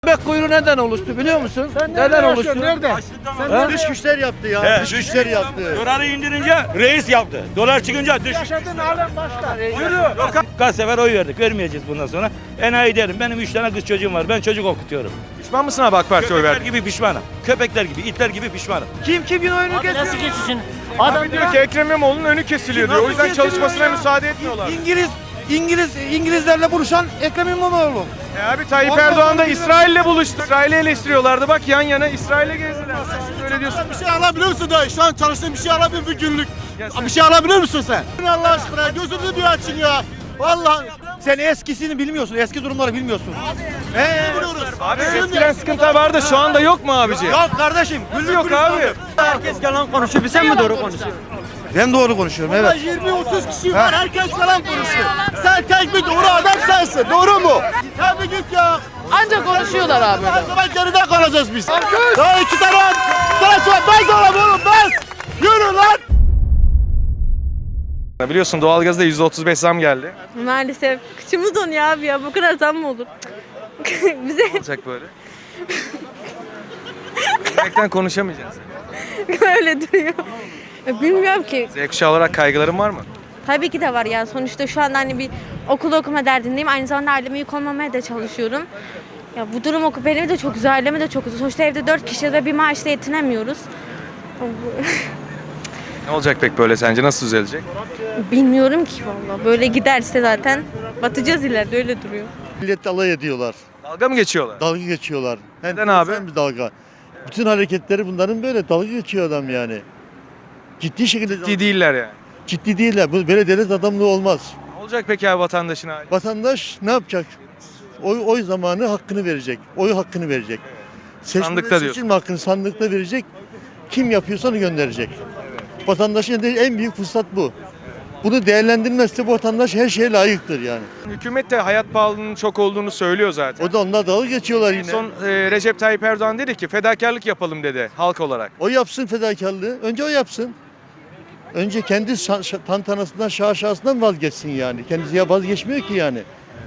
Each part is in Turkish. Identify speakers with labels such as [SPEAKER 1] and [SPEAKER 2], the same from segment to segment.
[SPEAKER 1] Bebek kuyruğu neden oluştu biliyor musun? Neden oluştu?
[SPEAKER 2] Nerede?
[SPEAKER 3] Dış güçler yaptı ya. Dış güçler yaptı.
[SPEAKER 4] Doları indirince reis yaptı. Dolar çıkınca dış.
[SPEAKER 2] Yaşadığın alem başka.
[SPEAKER 4] Kaç sefer oy verdik. Vermeyeceğiz bundan sonra. Enayi derim. Benim 3 tane kız çocuğum var. Ben çocuk okutuyorum.
[SPEAKER 5] Pişman mısın abi AK Parti'ye oy
[SPEAKER 4] Köpekler
[SPEAKER 5] verdin?
[SPEAKER 4] gibi pişmanım. Köpekler gibi, itler gibi pişmanım.
[SPEAKER 1] Kim kimin oyunu
[SPEAKER 6] Nasıl
[SPEAKER 1] kesiyor?
[SPEAKER 6] geçsin?
[SPEAKER 5] Abi diyor ki Ekrem İmamoğlu'nun önü kesiliyor diyor. O yüzden
[SPEAKER 1] Nasıl kesiliyor
[SPEAKER 5] çalışmasına
[SPEAKER 1] ya?
[SPEAKER 5] müsaade etmiyorlar.
[SPEAKER 1] İngilizlerle buluşan Ekrem İmamoğlu.
[SPEAKER 5] Abi Tayyip Erdoğan da İsrail'le buluştu. İsrail'i eleştiriyorlardı. Bak yan yana İsrail'e gezdiler. Sen öyle diyorsun.
[SPEAKER 3] Bir şey alabilir misin dayı? Şu an çalıştığın bir şey alabilir misin günlük? Bir şey alabilir misin sen? Allah aşkına gözünü bir açın ya. Vallahi sen eskisini bilmiyorsun. Eski durumları bilmiyorsun.
[SPEAKER 5] Abi eskiden sıkıntı vardı. Şu anda yok mu abici?
[SPEAKER 3] Yok kardeşim.
[SPEAKER 5] Yok abi.
[SPEAKER 1] Herkes yalan konuşuyor. Sen mi doğru konuşuyorsun?
[SPEAKER 3] Ben doğru konuşuyorum evet. 20-30 kişi var. Herkes falan konuşuyor. Sen tek bir doğru adam sensin. Doğru mu? Tabii git ya.
[SPEAKER 7] Ancak konuşuyorlar abi.
[SPEAKER 3] Her zaman geride kalacağız biz. Daha iki tane ben sana oğlum ben. Yürü lan.
[SPEAKER 5] Biliyorsun doğalgazda %35 zam geldi.
[SPEAKER 7] Maalesef. Kıçımız donuyor abi ya. Bu kadar zam mı olur? Bize
[SPEAKER 5] Olacak böyle. Gerçekten konuşamayacağız.
[SPEAKER 7] öyle duruyor. Bilmiyorum ki.
[SPEAKER 5] Z kuşağı olarak kaygıların var mı?
[SPEAKER 7] Tabii ki de var ya. Sonuçta şu anda hani bir okul okuma derdindeyim. Aynı zamanda aileme yük olmamaya da çalışıyorum. Ya bu durum benim de çok güzel, aileme de çok güzel. Sonuçta evde 4 kişi ve bir maaşla yetinemiyoruz.
[SPEAKER 5] Ne olacak pek böyle sence? Nasıl düzelecek?
[SPEAKER 7] Bilmiyorum ki vallahi. Böyle giderse zaten batacağız ileride, öyle duruyor.
[SPEAKER 3] Millet alay ediyorlar.
[SPEAKER 5] Dalga mı geçiyorlar?
[SPEAKER 3] Dalga geçiyorlar.
[SPEAKER 5] Neden abi?
[SPEAKER 3] Bir dalga. Bütün hareketleri bunların böyle dalga geçiyor adam yani. Ciddi şekilde
[SPEAKER 5] Ciddi değiller yani.
[SPEAKER 3] ciddi değiller. Bu böyle devlet adamlığı olmaz.
[SPEAKER 5] Ne olacak peki abi vatandaşın hali?
[SPEAKER 3] Vatandaş ne yapacak? Oy zamanı hakkını verecek. Oy hakkını verecek.
[SPEAKER 5] Sandıkta diyorsun.
[SPEAKER 3] Seçim hakkını sandıkta verecek. Kim yapıyorsa onu gönderecek. Vatandaşın en büyük fırsat bu. Bunu değerlendirmezse bu vatandaş her şeye layıktır yani.
[SPEAKER 5] Hükümet de hayat pahalılığının çok olduğunu söylüyor zaten.
[SPEAKER 3] O da onlar dalga geçiyorlar
[SPEAKER 5] En
[SPEAKER 3] yine.
[SPEAKER 5] son Recep Tayyip Erdoğan dedi ki fedakarlık yapalım dedi halk olarak.
[SPEAKER 3] O yapsın fedakarlığı. Önce o yapsın. Önce kendi tantanasından, şaşasından vazgeçsin yani. Kendisi ya vazgeçmiyor ki yani.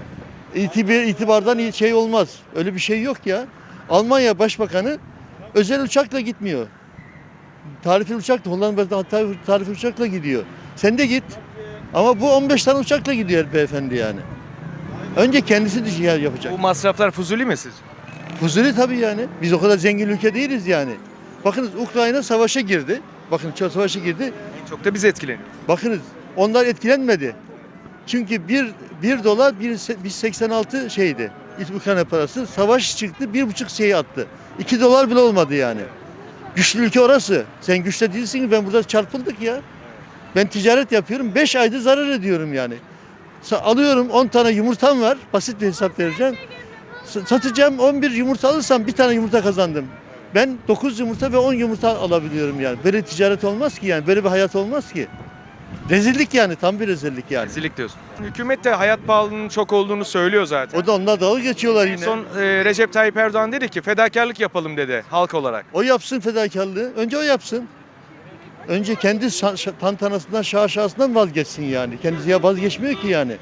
[SPEAKER 3] İtibardan şey olmaz. Öyle bir şey yok ya. Almanya Başbakanı özel uçakla gitmiyor. Tarifli uçakla, Hollanda'da tarifli uçakla gidiyor. Sen de git. Ama bu 15 tane uçakla gidiyor beyefendi yani. Önce kendisi düşün yapacak.
[SPEAKER 5] Bu masraflar fuzuli mi sizce?
[SPEAKER 3] Fuzuli tabii yani. Biz o kadar zengin ülke değiliz yani. Bakınız Ukrayna savaşa girdi. Bakın savaşa girdi.
[SPEAKER 5] En çok da biz etkileniyoruz.
[SPEAKER 3] Bakınız onlar etkilenmedi. Çünkü 1 dolar 1,86 şeydi. Ukrayna parası. Savaş çıktı 1,5 şeyi attı. 2 dolar bile olmadı yani. Güçlü ülke orası. Sen güçlü değilsin ki ben burada çarpıldık ya. Ben ticaret yapıyorum 5 ayda zarar ediyorum yani. Alıyorum 10 tane yumurtam var. Basit bir hesap vereceğim. Satacağım 11 yumurta alırsam bir tane yumurta kazandım. Ben 9 yumurta ve 10 yumurta alabiliyorum yani. Böyle ticaret olmaz ki yani. Böyle bir hayat olmaz ki. Rezillik yani. Tam bir rezillik yani.
[SPEAKER 5] Rezillik diyorsun. Hükümet de hayat pahalılığının çok olduğunu söylüyor zaten.
[SPEAKER 3] O da onlar dalga geçiyorlar
[SPEAKER 5] En
[SPEAKER 3] yine.
[SPEAKER 5] son Recep Tayyip Erdoğan dedi ki fedakarlık yapalım dedi halk olarak.
[SPEAKER 3] O yapsın fedakarlığı. Önce o yapsın. Önce kendi tantanasından, şaşasından vazgeçsin yani. Kendisi ya vazgeçmiyor ki yani.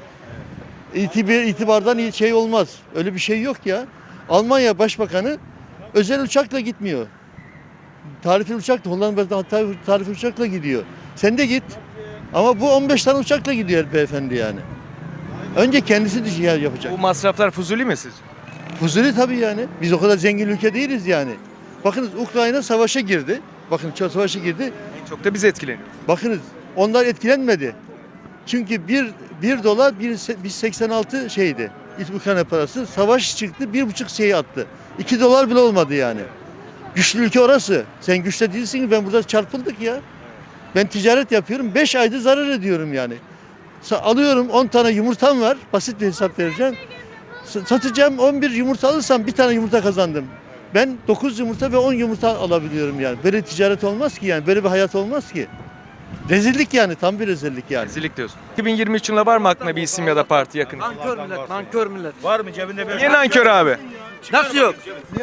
[SPEAKER 3] İtibardan şey olmaz. Öyle bir şey yok ya. Almanya Başbakanı özel uçakla gitmiyor. Tarifli uçakla, Hollanda'da tarifli uçakla gidiyor. Sen de git. Ama bu 15 tane uçakla gidiyor beyefendi yani. Önce kendisi düşün yapacak.
[SPEAKER 5] Bu masraflar fuzuli mi sizce?
[SPEAKER 3] Fuzuli tabii yani. Biz o kadar zengin ülke değiliz yani. Bakınız Ukrayna savaşa girdi. Bakın savaşa girdi.
[SPEAKER 5] En çok da biz etkileniyoruz.
[SPEAKER 3] Bakınız onlar etkilenmedi. Çünkü 1 dolar 1,86 şeydi. Ukrayna parası. Savaş çıktı 1,5 şeyi attı. 2 dolar bile olmadı yani. Güçlü ülke orası. Sen güçlü değilsin ki ben burada çarpıldık ya. Ben ticaret yapıyorum 5 ayda zarar ediyorum yani. Alıyorum 10 tane yumurtam var. Basit bir hesap vereceğim. Satacağım 11 yumurta alırsam bir tane yumurta kazandım. Ben 9 yumurta ve 10 yumurta alabiliyorum yani. Böyle ticaret olmaz ki yani. Böyle bir hayat olmaz ki. Rezillik yani. Tam bir rezillik yani.
[SPEAKER 5] Rezillik diyorsun. 2023 yılında var mı aklına bir isim ya da parti yakın?
[SPEAKER 1] Nankör millet, nankör millet.
[SPEAKER 4] Var mı cebinde bir?
[SPEAKER 5] Niye nankör abi?
[SPEAKER 1] Nasıl yok?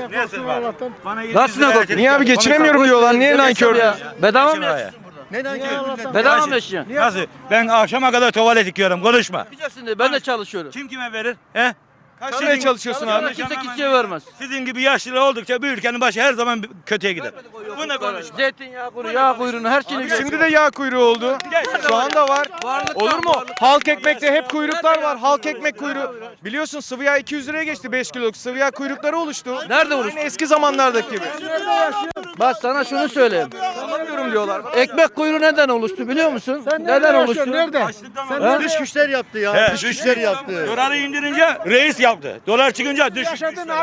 [SPEAKER 1] Nasıl yok?
[SPEAKER 5] Niye abi geçinemiyorum diyorlar. Niye nankör?
[SPEAKER 1] Bedava mı yaşıyorsun?
[SPEAKER 3] Ne nankör?
[SPEAKER 1] Bedava mı yaşıyorsun?
[SPEAKER 4] Nasıl? Ben akşama kadar tuvalet yıkıyorum. Konuşma.
[SPEAKER 1] Yapacaksın diye ben de çalışıyorum.
[SPEAKER 4] Kim kime verir? He?
[SPEAKER 5] Kaç liraya çalışıyorsun abi?
[SPEAKER 1] Kimse kimseye vermez.
[SPEAKER 4] Sizin gibi yaşlılar oldukça bir ülkenin başı her zaman kötüye gider. Bu ne konuşma?
[SPEAKER 1] Zeytinyağı kuyruğu, yağ kuyruğunu her şeyini götür.
[SPEAKER 5] Şimdi de yağ kuyruğu oldu. Şu anda var. Olur mu? Halk ekmekte hep kuyruklar var. Halk ekmek kuyruğu. Biliyorsun sıvı yağ 200 liraya geçti 5 kiloluk. Sıvı yağ kuyrukları oluştu.
[SPEAKER 1] Nerede oluştu?
[SPEAKER 5] Aynı eski zamanlardaki gibi.
[SPEAKER 1] Bak sana şunu söyleyeyim.
[SPEAKER 5] Anlamıyorum diyorlar.
[SPEAKER 1] Ekmek kuyruğu neden oluştu biliyor musun? Neden oluştu? Nerede?
[SPEAKER 3] Sen dış güçler yaptı ya.
[SPEAKER 4] He,
[SPEAKER 3] Dış güçler yaptı.
[SPEAKER 4] Doları indirince reis yaptı. Dolar çıkınca düş.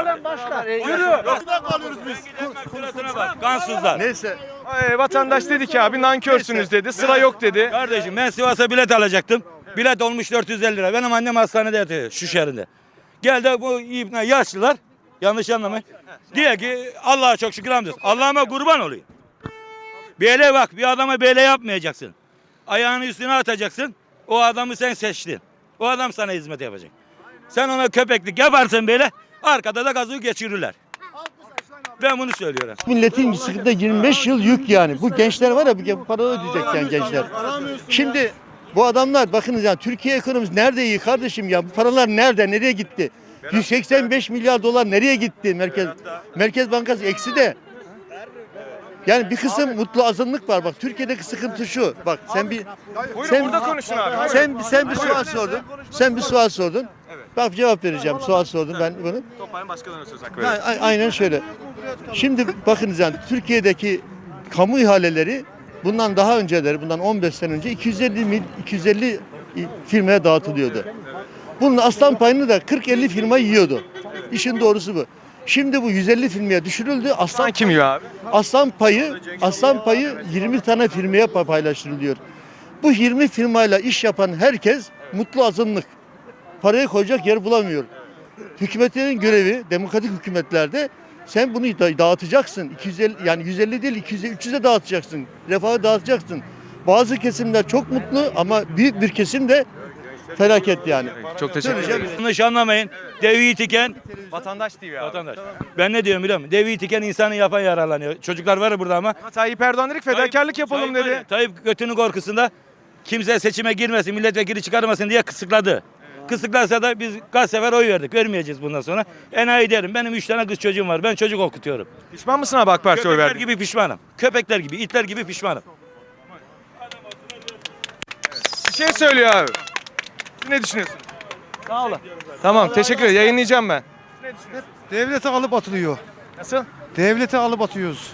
[SPEAKER 4] Kansızlar.
[SPEAKER 3] Neyse.
[SPEAKER 5] Vatandaş dedi ki abi nankörsünüz dedi. Sıra yok dedi.
[SPEAKER 4] Kardeşim ben Sivas'a bilet alacaktım. Bilet olmuş 450 lira. Benim annem hastanede yatıyor şu şehrinde. Geldi bu ibne yaşlılar. Yanlış anlamayın. Diyor ki Allah'a çok şükür hamdolsun. Allah'ıma kurban olayım. Böyle bak bir adama böyle yapmayacaksın. Ayağını üstüne atacaksın. O adamı sen seçtin. O adam sana hizmet yapacak. Sen ona köpeklik yaparsın böyle. Arkada da gazı geçirirler. Ben bunu söylüyorum.
[SPEAKER 3] Milletin sıkıntı 25 yıl yük yani. Bu gençler var ya bu para ödeyecek yani gençler. Şimdi bu adamlar bakınız ya Türkiye ekonomisi nerede iyi kardeşim ya? Bu paralar nerede? Nereye gitti? 185 milyar dolar nereye gitti? Merkez Bankası eksi de. Yani bir kısım mutlu azınlık var. Bak Türkiye'deki sıkıntı şu. Bak sen bir
[SPEAKER 5] Buyurun burada konuşun abi.
[SPEAKER 3] sen bir sual sordun. Sen bir sual sordun. Bak cevap vereceğim. Sual sordum ben bunu.
[SPEAKER 5] Toplayın başkalarına söz hakkı
[SPEAKER 3] Ha,
[SPEAKER 5] verin.
[SPEAKER 3] aynen şöyle. Şimdi bakınız yani Türkiye'deki kamu ihaleleri bundan daha önceleri, bundan 15 sene önce 250 firmaya dağıtılıyordu. Bunun aslan payını da 40-50 firma yiyordu. İşin doğrusu bu. Şimdi bu 150 firmaya düşürüldü.
[SPEAKER 5] Sen kim yiyor abi?
[SPEAKER 3] Aslan payı 20 tane firmaya paylaştırılıyor. Bu 20 firmayla iş yapan herkes mutlu azınlık. Parayı koyacak yer bulamıyor. Hükümetlerin görevi demokratik hükümetlerde sen bunu dağıtacaksın. 250 yani 150 değil 200'e 300'e dağıtacaksın. Refahı dağıtacaksın. Bazı kesimler çok mutlu ama büyük bir kesim de felaket yani.
[SPEAKER 5] Çok teşekkür ederim.
[SPEAKER 4] Yanlış anlamayın. Devi tiken
[SPEAKER 5] Vatandaş TV abi.
[SPEAKER 4] vatandaş. Ben ne diyorum biliyor musun? Devi tiken insanı yapan yararlanıyor. Çocuklar var ya burada ama.
[SPEAKER 5] Tayyip Erdoğan dedik fedakarlık yapalım
[SPEAKER 4] Tayyip var
[SPEAKER 5] dedi.
[SPEAKER 4] ya, Tayyip götünün korkusunda kimse seçime girmesin, milletvekili çıkarmasın diye kısıkladı. Kısıklarsa da biz kaç sefer oy verdik. Vermeyeceğiz bundan sonra. Enayi derim. Benim 3 tane kız çocuğum var. Ben çocuk okutuyorum.
[SPEAKER 5] Pişman mısın abi AK Parti'ye oy
[SPEAKER 4] Köpekler
[SPEAKER 5] verdin?
[SPEAKER 4] gibi pişmanım. Köpekler gibi, itler gibi pişmanım.
[SPEAKER 5] Bir şey söylüyor abi. Siz ne düşünüyorsunuz?
[SPEAKER 1] Sağ olun.
[SPEAKER 5] Tamam teşekkür ederim. Yayınlayacağım ben.
[SPEAKER 2] Devlete alıp atılıyor.
[SPEAKER 5] Nasıl?
[SPEAKER 2] Devlete alıp atıyoruz.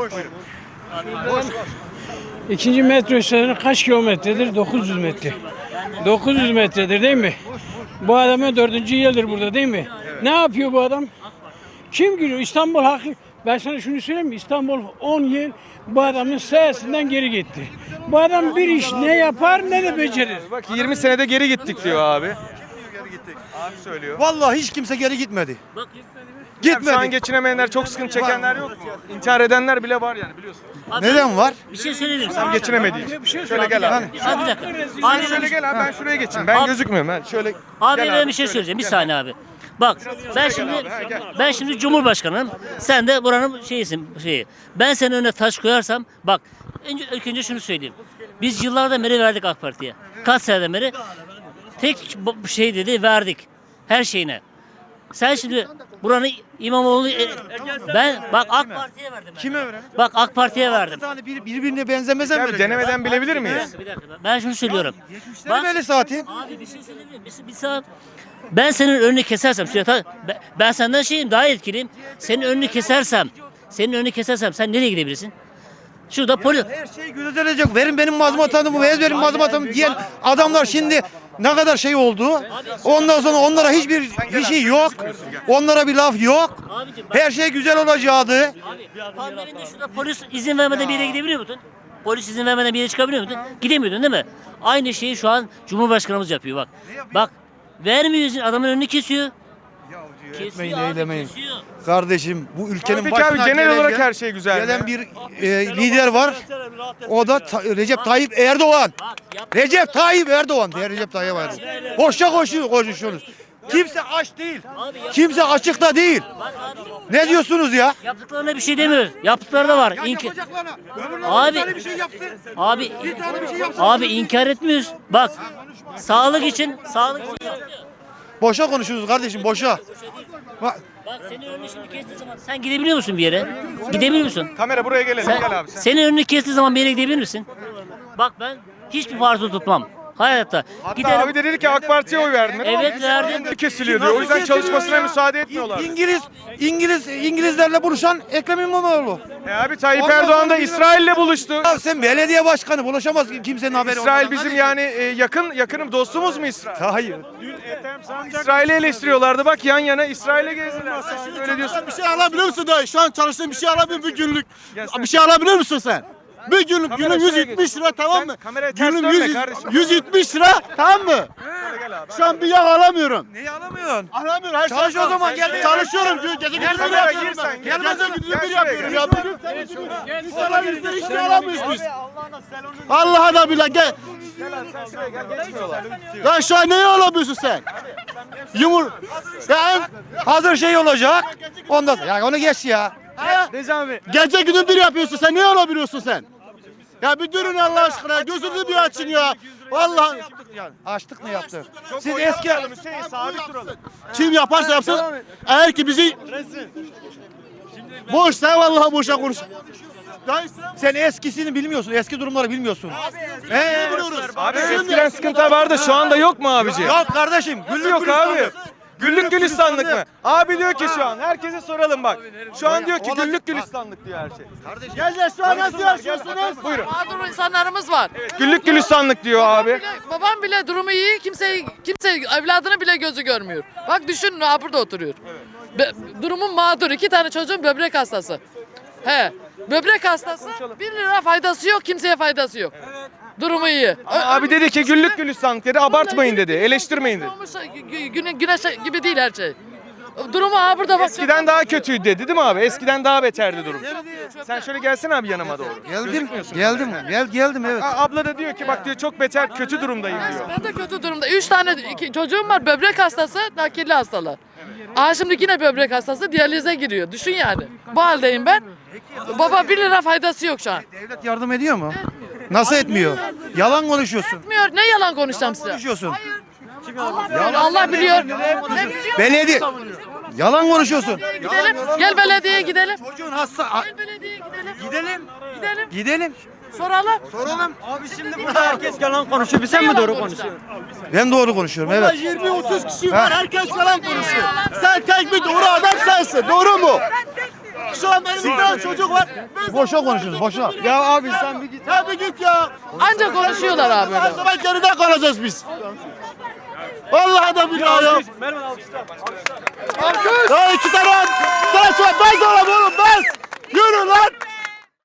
[SPEAKER 6] İkinci metro istasyonu kaç kilometredir? 900 metre. 900 metredir değil mi? Bu adamın 4. yıldır burada değil mi? Ne yapıyor bu adam? Kim giriyor? İstanbul hakkı. Ben sana şunu söyleyeyim mi? İstanbul 10 yıl bu adamın sayesinden geri gitti. Bu adam bir iş ne yapar ne de becerir.
[SPEAKER 5] Bak 20 senede geri gittik diyor abi. Abi söylüyor.
[SPEAKER 2] Vallahi hiç kimse geri gitmedi.
[SPEAKER 5] Gitmedi. Şu an geçinemeyenler, çok sıkıntı çekenler yok mu? İntihar edenler bile var yani biliyorsunuz.
[SPEAKER 2] Neden var?
[SPEAKER 8] Bir şey söyleyeyim
[SPEAKER 5] Tam
[SPEAKER 8] sana.
[SPEAKER 5] geçinemediği için. Şöyle gel abi.
[SPEAKER 8] Abi bir dakika.
[SPEAKER 5] Sen
[SPEAKER 8] Abi,
[SPEAKER 5] şöyle gel abi ben şuraya geçeyim. Ben
[SPEAKER 8] Abi-
[SPEAKER 5] gözükmüyorum. Ha. Şöyle
[SPEAKER 8] abi
[SPEAKER 5] gel
[SPEAKER 8] ben bir şey söyleyeceğim. Bir saniye abi. Bak ben şimdi Cumhurbaşkanıyım. Sen de buranın şeyi. Ben senin önüne taş koyarsam bak ilk önce şunu söyleyeyim. Biz yıllardan beri verdik AK Parti'ye. Kaç seneden beri tek şey dedi verdik. Her şeyine. Sen şimdi buranın İmamoğlu ben bak AK Parti'ye verdim. Kime verdim? Bak AK Parti'ye verdim.
[SPEAKER 2] Birbirine benzemez
[SPEAKER 5] Abi denemeden bilebilir miyiz?
[SPEAKER 8] Bir dakika. Ben şunu söylüyorum.
[SPEAKER 2] Ne böyle zaten?
[SPEAKER 8] Abi bir şey söyleyeyim mi? Bir saat. Ben senin önünü kesersem, ben senden şeyim daha etkiliyim. Senin önünü kesersem sen nereye gidebilirsin? Şurada polis.
[SPEAKER 2] Her şey gözetelecek. Verin benim mazbatamı, benim mazbatamı diyen adamlar şimdi ne kadar şey oldu. Ondan sonra onlara hiçbir şey yok. Onlara bir laf yok.
[SPEAKER 8] Abicim bak,
[SPEAKER 2] Her şey güzel olacaktı.
[SPEAKER 8] abi, pandemide şurada polis izin vermeden bir yere gidebiliyor musun? Polis izin vermeden bir yere çıkabiliyor musun? Gidemiyordun değil mi? Aynı şeyi şu an Cumhurbaşkanımız yapıyor bak. Bak vermiyor izin, adamın önünü kesiyor.
[SPEAKER 2] Etmeyin,
[SPEAKER 8] Kesiyor abi,
[SPEAKER 2] eylemeyin.
[SPEAKER 8] kesiyor.
[SPEAKER 2] Kardeşim bu ülkenin
[SPEAKER 5] Peki abi
[SPEAKER 2] başına
[SPEAKER 5] genel olarak
[SPEAKER 2] gelen-
[SPEAKER 5] her şey güzel
[SPEAKER 2] gelen
[SPEAKER 5] mi?
[SPEAKER 2] bir lider var. O da Recep Tayyip Erdoğan.
[SPEAKER 8] Bak yap.
[SPEAKER 2] Recep Tayyip Erdoğan diye Recep Tayyip Erdoğan. Boşa konuşuyoruz. Kimse aç değil. Kimse açıkta değil.
[SPEAKER 8] Bak abi.
[SPEAKER 2] Ne diyorsunuz ya?
[SPEAKER 8] Yaptıklarına bir şey demiyoruz. Yaptıkları da var. Abi, abi, abi inkar etmiyoruz. Bak sağlık için yapıyor.
[SPEAKER 2] Boşa konuşuyoruz kardeşim, boşa. Bak,
[SPEAKER 8] Bak senin önünü şimdi kestiği zaman sen gidebiliyor musun bir yere? Gidebiliyor musun?
[SPEAKER 5] Kamera buraya gelelim. Gel abi sen.
[SPEAKER 8] Senin önünü kestiği zaman bir yere gidebilir misin? Bak ben hiçbir parti tutmam. Hayatta.
[SPEAKER 5] Hatta abi de dedi ki AK Parti'ye oy verdim.
[SPEAKER 8] Evet verdim.
[SPEAKER 5] Kesiliyor diyor. O yüzden çalışmasına müsaade etmiyorlar.
[SPEAKER 2] İngilizlerle buluşan Ekrem İmamoğlu.
[SPEAKER 5] Abi Tayyip Erdoğan da İsrail'le buluştu.
[SPEAKER 2] Ya sen belediye başkanı buluşamaz ki, kimsenin haberi
[SPEAKER 5] İsrail
[SPEAKER 2] olmaz.
[SPEAKER 5] bizim yani yakınım dostumuz mu İsrail?
[SPEAKER 2] Hayır.
[SPEAKER 5] İsrail'i eleştiriyorlardı. Bak yan yana İsrail'e gezdiler. Öyle diyorsun.
[SPEAKER 9] Bir şey alabilir misin dayı? Şu an çalıştığın bir şey alabilir misin bir günlük? Bir şey alabilir misin sen? Bir günlük
[SPEAKER 5] Kamera
[SPEAKER 9] günlük
[SPEAKER 5] şuraya
[SPEAKER 9] 170 lira tamam mı?
[SPEAKER 5] kameraya ters
[SPEAKER 9] Günlük
[SPEAKER 5] dönme kardeşim.
[SPEAKER 9] 170 lira tamam mı? Şu an bir yağ alamıyorum.
[SPEAKER 2] Neyi alamıyorsun?
[SPEAKER 9] Alamıyorum. Her
[SPEAKER 2] Çalış
[SPEAKER 9] şey
[SPEAKER 2] o zaman, gel.
[SPEAKER 9] Çalışıyorum. Gece gündüz bir
[SPEAKER 5] kamera
[SPEAKER 9] yapıyorum
[SPEAKER 5] gir sen,
[SPEAKER 9] ben.
[SPEAKER 5] gel.
[SPEAKER 9] Gece gündüz
[SPEAKER 5] Gel
[SPEAKER 9] bir
[SPEAKER 5] şuraya
[SPEAKER 9] yapıyorum
[SPEAKER 5] gel.
[SPEAKER 9] ya. Bugün senin İnsanlar bizde hiç şey alamıyoruz biz. Allah'a da bile gel. Lan şu an neyi alamıyorsun sen? Ya
[SPEAKER 2] Hazır şey olacak. Ondan sonra, ya onu geç ya.
[SPEAKER 9] gece gündüz bir yapıyorsun sen. Niye alabiliyorsun sen? Ya bir durun Allah aşkına. Gözünüzü bir açın ya. Vallahi
[SPEAKER 2] Açtık mı yaptık? Siz eski
[SPEAKER 9] kim yaparsa yapsın. Eğer ki bizi boşsa vallahi boşa konuş.
[SPEAKER 2] sen eskisini bilmiyorsun. Eski durumları bilmiyorsun.
[SPEAKER 5] Abi eskiden sıkıntı vardı. Şu anda yok mu abici?
[SPEAKER 2] Yok kardeşim.
[SPEAKER 5] Güllük yok abi. Güllük gülistanlık mı? Abi diyor ki şu an herkese soralım bak. Şu an diyor ki güllük gülistanlık diyor her şey.
[SPEAKER 9] Gel şu an nasıl yaşıyorsunuz?
[SPEAKER 5] Buyurun.
[SPEAKER 10] Mağdur insanlarımız var.
[SPEAKER 5] Güllük gülistanlık diyor abi.
[SPEAKER 10] Babam bile durumu iyi, kimse evladını bile gözü görmüyor. Bak düşün ha burada oturuyor. Durumum mağdur. 2 tane çocuğum böbrek hastası. He. Böbrek hastası 1 lira faydası yok, kimseye faydası yok. Durumu iyi.
[SPEAKER 5] Abi dedi ki güllük gülistanlık dedi. Abartmayın dedi. Eleştirmeyin dedi.
[SPEAKER 10] Güneş gibi değil her şey. Durumu ha burada bak.
[SPEAKER 5] Eskiden daha kötüydü dedi değil mi abi? Eskiden daha beterdi durum. Sen şöyle gelsene abi yanıma doğru.
[SPEAKER 2] Geldim evet.
[SPEAKER 5] Abla da diyor ki bak diyor çok beter kötü durumdayım diyor.
[SPEAKER 10] Ben de kötü durumda. 3 tane çocuğum var. Böbrek hastası, nakilli hastalar. Aa şimdi yine böbrek hastası diyalize giriyor. Düşün yani. Bu haldeyim ben. Baba 1 lira faydası yok şu an.
[SPEAKER 2] Devlet yardım ediyor mu? Nasıl etmiyor? Yalan konuşuyorsun.
[SPEAKER 10] Etmiyor. Ne yalan konuşacağım size?
[SPEAKER 2] Konuşuyorsun.
[SPEAKER 10] Allah biliyor.
[SPEAKER 2] Belediye. Yalan konuşuyorsun.
[SPEAKER 10] Gidelim. Gel belediyeye gidelim.
[SPEAKER 2] Çocuğun hasta.
[SPEAKER 10] Gel belediyeye gidelim.
[SPEAKER 2] Gidelim.
[SPEAKER 10] Gidelim.
[SPEAKER 2] Gidelim.
[SPEAKER 10] Soralım.
[SPEAKER 2] Soralım.
[SPEAKER 1] Herkes yalan konuşuyor. Biz sen mi doğru konuşuyorsun?
[SPEAKER 2] Ben doğru konuşuyorum evet.
[SPEAKER 9] 20-30 kişi var. Herkes yalan konuşuyor. Sen tek bir doğru adam sensin. Doğru mu? Şu an benim bir tane çocuk var.
[SPEAKER 2] Boşa konuşuyoruz boşa.
[SPEAKER 9] Ya abi sen bir git. Sen bir git ya.
[SPEAKER 10] Ancak konuşuyorlar abi.
[SPEAKER 9] Her zaman geride kalacağız biz. Vallahi da billahi ya. Ya 2 tane. Sana şu an bez oğlum bez.